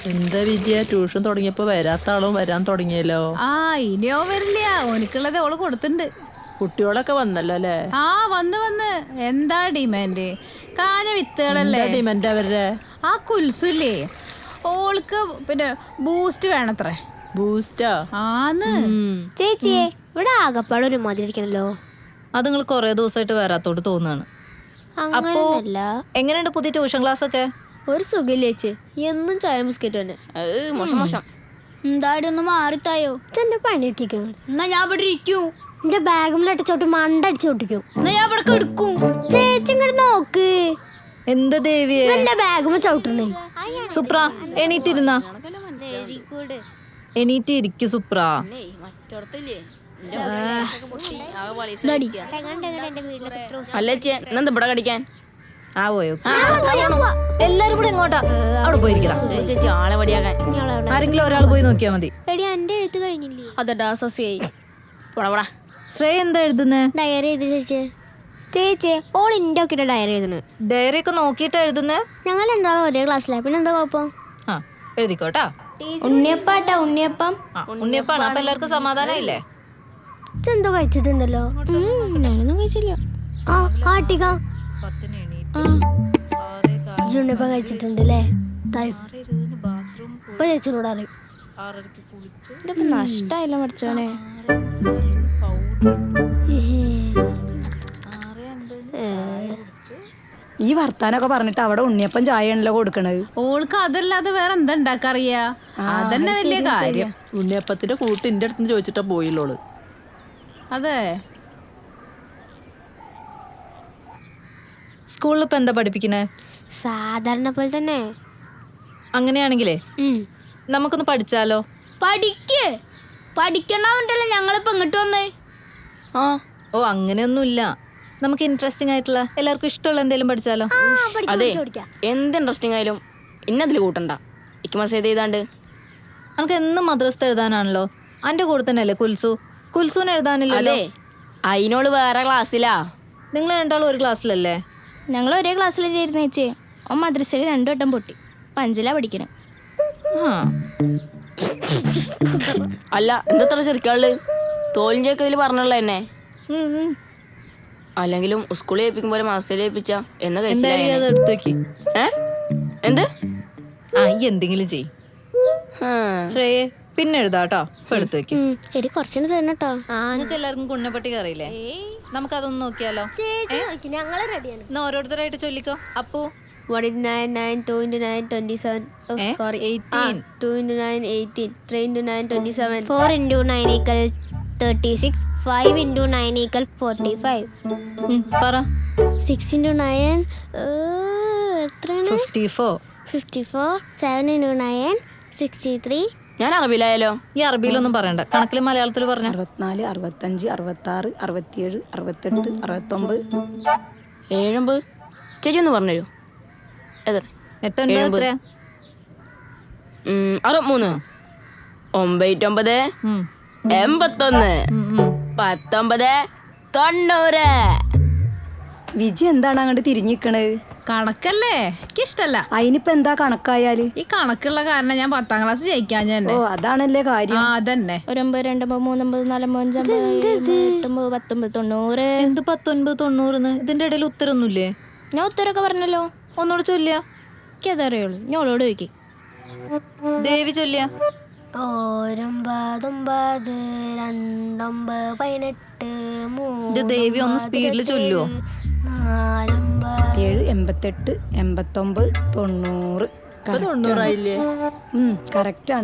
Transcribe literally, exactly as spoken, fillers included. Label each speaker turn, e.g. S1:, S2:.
S1: എന്താ വിദ്യ ട്യൂഷൻ തുടങ്ങിയപ്പോ വരാത്ത ആളും വരാൻ തുടങ്ങിയല്ലോ.
S2: ആ ഇനിയോ വരില്ല, ഓനിക്കുള്ളത് ഓള് കൊടുത്തിട്ടുണ്ട്.
S1: കുട്ടികളൊക്കെ വന്നല്ലോ അല്ലേ?
S2: ആ വന്ന് വന്ന്. എന്താ ഡിമാൻഡ്? കാഞ്ഞ വിത്തുകളല്ലേ
S1: ഡിമാൻഡ് അവരുടെ?
S2: ആ കുൽസുല്ലേ, ഓൾക്ക് പിന്നെ ബൂസ്റ്റ് വേണത്രേ.
S1: ബൂസ്റ്റാ?
S2: ആന്ന്.
S3: ചേച്ചിയെ ഇവിടെ ആകപ്പാട് ഒരു മതി ഇരിക്കണല്ലോ.
S4: അത് നിങ്ങൾ കൊറേ ദിവസമായിട്ട് വരാത്തോട്ട് തോന്നാണ്. അപ്പോ എങ്ങനെയുണ്ട് പുതിയ ട്യൂഷൻ ക്ലാസ് ഒക്കെ?
S3: ഒരു സുഖമില്ല ചേച്ചി, എന്നും ചായ ബിസ്ക്കറ്റ് തന്നെ.
S5: മോശം മോശം.
S3: എന്താടി ഒന്ന് മാറിത്തായോ? എന്റെ പണി ഇട്ടിരിക്കണം. എന്നാ ഞാൻ ഇവിടെ ഇരിക്കൂ. എന്റെ ബാഗിൽ ചോട്ട് മണ്ട അടിച്ചു പൊട്ടിക്കും. എന്നാ ഞാൻ ഇവിടെ എടുക്കും. ചേച്ചി ഇങ്ങോട്ട് നോക്ക്.
S4: എന്താ ദേവിയെ
S3: എന്റെ ബാഗും ചവിട്ടണേ.
S4: സുപ്ര എണീറ്റിരുന്ന എണീറ്റ് ഇരിക്കു സുപ്ര.
S5: അല്ല എന്താ ഇവിടെ കടിക്കാൻ?
S4: ആ പോയോ എല്ലാരും കൂടെ എങ്ങോട്ടാ? അവിടെ പോയിരിക്കണം.
S5: ചേച്ചി ആളെ വടിയാക്കാൻ
S4: ആരെങ്കിലും ഒരാൾ പോയി നോക്കിയാ മതി.
S3: എന്റെ എഴുത്ത് കഴിഞ്ഞില്ലേ?
S5: അതെടാ സസിയായി. പോടാ
S4: ശ്രേയ എന്താ എഴുതുന്നേ?
S3: ഡയറി എഴുതി ചേച്ചി. ചേച്ചി ഓൾ ഇന്റെ ഒക്കെ ഡയറി എഴുതുന്നു.
S4: ഡയറി ഒക്കെ നോക്കിട്ടാ എഴുതുന്നേ?
S3: ഞങ്ങൾ രണ്ടാളും ഒരേ ക്ലാസ്സിലാ, പിന്നെ എന്താ കുഴപ്പം?
S4: ആ എഴുതിക്കോട്ടാ.
S3: ഉണ്ണിയപ്പാട്ടാ ഉണ്ണിയപ്പം.
S4: ഉണ്ണിയപ്പാണ്. അപ്പൊ എല്ലാവർക്കും സമാധാനമില്ലേ?
S3: എന്തോ കഴിച്ചിട്ടുണ്ടല്ലോ. ഞാനൊന്നും കഴിച്ചില്ല. ആ ആട്ടിക ഉണ്ണിയപ്പം കഴിച്ചിട്ടുണ്ടല്ലേ? ഇപ്പൊ ചേച്ചിനോട് അറിയും.
S5: ഇതിപ്പോ നഷ്ടായില്ല പഠിച്ചോനെ.
S6: ഈ വർത്താനൊക്കെ പറഞ്ഞിട്ട് അവിടെ ഉണ്ണിയപ്പം ചായ ആണല്ലോ കൊടുക്കണത്.
S2: ഓൾക്ക് അതല്ലാതെ വേറെ എന്താ ഉണ്ടാക്കറിയാ? അതന്നെ വലിയ കാര്യം.
S1: ഉണ്ണിയപ്പത്തിന്റെ കൂട്ട് എന്റെ അടുത്ത് ചോദിച്ചിട്ടാ പോയില്ലോള്.
S2: അതെ.
S4: സ്കൂളിൽ ഇപ്പൊ എന്താ പഠിപ്പിക്കണേ?
S3: സാധാരണ പോലെ തന്നെ.
S4: അങ്ങനെയാണെങ്കിലേ നമുക്കൊന്ന് പഠിച്ചാലോ?
S3: പഠിക്ക് പഠിക്കണവണ്ടല്ലോ ഞങ്ങളിപ്പോ ഇങ്ങോട്ട് വന്നേ.
S5: ആ
S4: ഓ അങ്ങനെയൊന്നുമില്ല, നമുക്ക് ഇൻട്രസ്റ്റിംഗ് ആയിട്ടുള്ള എല്ലാവർക്കും ഇഷ്ടമുള്ള എന്തെങ്കിലും പഠിച്ചാലോ?
S5: അതെ, എന്ത് ഇൻട്രസ്റ്റിംഗ് ആയാലും ഇന്നതിൽ കൂട്ടണ്ട. ഇക്ക് മെസ്സേജ് ചെയ്താണ്ട്
S4: നമുക്ക് എന്നും മദ്രസ എഴുതാനാണല്ലോ. അന്റെ കൂടെ തന്നെ അല്ലേ കുൽസു? കുൽസുവിന് എഴുതാനില്ല.
S5: അതെ, അതിനോട് വേറെ ക്ലാസ്സിലാ.
S4: നിങ്ങൾ രണ്ടാളും ഒരു ക്ലാസ്സിലല്ലേ?
S7: ഞങ്ങൾ ഒരേ ക്ലാസ്സിലായിരുന്നു ചേച്ചി. ഓൻ മദ്രസയിൽ രണ്ടു വട്ടം പൊട്ടി. പഞ്ചിലാ പഠിക്കണേ.
S4: ആ
S5: അല്ല എന്തത്ര ചെറുക്കാള് തോലിഞ്ചേക്കതിൽ പറഞ്ഞുള്ള എന്നെ. അല്ലെങ്കിലും സ്കൂളിൽ ഏൽപ്പിക്കും പോലെ മാസത്തിൽ ഏൽപ്പിച്ച എന്ന് കഴിച്ചില്ല.
S4: അത് എടുത്തു വെക്കി.
S5: ഏ എന്ത്?
S4: ആ ഈ എന്തെങ്കിലും ചെയ് ശ്രേയെ. പിന്നെ എഴുതാട്ടോ. എടുത്തു വെക്കി.
S3: എടി കുറച്ചുകൂടി തന്നെട്ടോ.
S4: നിങ്ങൾക്ക് എല്ലാവർക്കും കുണ്ണപ്പട്ടിക അറിയില്ലേ? നമുക്കതൊന്ന് നോക്കിയാലോ?
S3: ഞങ്ങള് റെഡിയാണ്.
S4: എന്നാ ഓരോരുത്തരായിട്ട് ചൊല്ലിക്കോ. Appu
S3: What is nine nine two into nine twenty seven? Oh
S4: eh?
S3: sorry.
S4: eighteen.
S3: Ah, two into nine eighteen. Three into nine twenty seven. Four into nine equal thirty six. Five into nine equal forty five.
S4: പറ.
S3: Six into nine. എത്രയാണ്?
S4: Fifty four.
S3: Fifty four. Seven into nine sixty three.
S5: ഞാൻ അറബിലായാലോ?
S4: ഈ അറബിയിലൊന്നും പറയണ്ട, കണക്കിൽ മലയാളത്തിൽ പറഞ്ഞ.
S6: അറുപത്തിനാല് അറുപത്തഞ്ച് അറുപത്താറ് അറുപത്തിയേഴ് അറുപത്തെട്ട് അറുപത്തൊമ്പത്
S5: ഏഴമ്പത്. ചേച്ചി ഒന്ന് പറഞ്ഞുതരൂ.
S4: എട്ടൊൻപത്
S5: അറുപത്തിമൂന്ന് ഒമ്പത്തൊമ്പത് എൺപത്തൊന്ന് പത്തൊമ്പത് തൊണ്ണൂറ്.
S6: വിജി എന്താണ് അങ്ങോട്ട് തിരിഞ്ഞിക്കണത്?
S2: കണക്കല്ലേ എനിക്കിഷ്ടല്ല.
S6: അതിനിപ്പോ എന്താ കണക്കായാല്?
S2: ഈ കണക്കുള്ള കാരണം ഞാൻ പത്താം ക്ലാസ് ജയിക്കാൻ ഞാൻ.
S6: ഓ അതാണല്ലേ കാര്യം.
S2: ആ അതന്നെ.
S7: ഒരമ്പത് രണ്ടമ്പത് മൂന്നമ്പത് നാലമ്പത് അഞ്ചമ്പത് എട്ടൊമ്പത് പത്തൊമ്പത് തൊണ്ണൂറ്.
S4: എന്ത് പത്തൊൻപത് തൊണ്ണൂറിന്ന്? ഇതിന്റെ ഇടയിൽ ഉത്തരൊന്നുമില്ലേ?
S7: ഞാൻ ഉത്തരൊക്കെ പറഞ്ഞല്ലോ.
S4: ഒന്നുകൂടെ ചൊല്ലിയ.
S7: എനിക്കതറിയുള്ളൂ. ഞാൻ ഓളോട് ചോദിക്കും.
S4: ദേവി ചൊല്ലിയ.
S3: ഒരൊമ്പതൊമ്പത് രണ്ടൊമ്പത് പതിനെട്ട്
S4: ഇത് ദേവി ഒന്ന് സ്പീഡിൽ ചൊല്ലുവോ?
S3: നാലൊമ്പത്
S6: ഏഴ് എൺപത്തെട്ട് എൺപത്തൊമ്പത് തൊണ്ണൂറ്.
S1: തൊണ്ണൂറായില്ലേ?
S6: കറക്റ്റാണ്.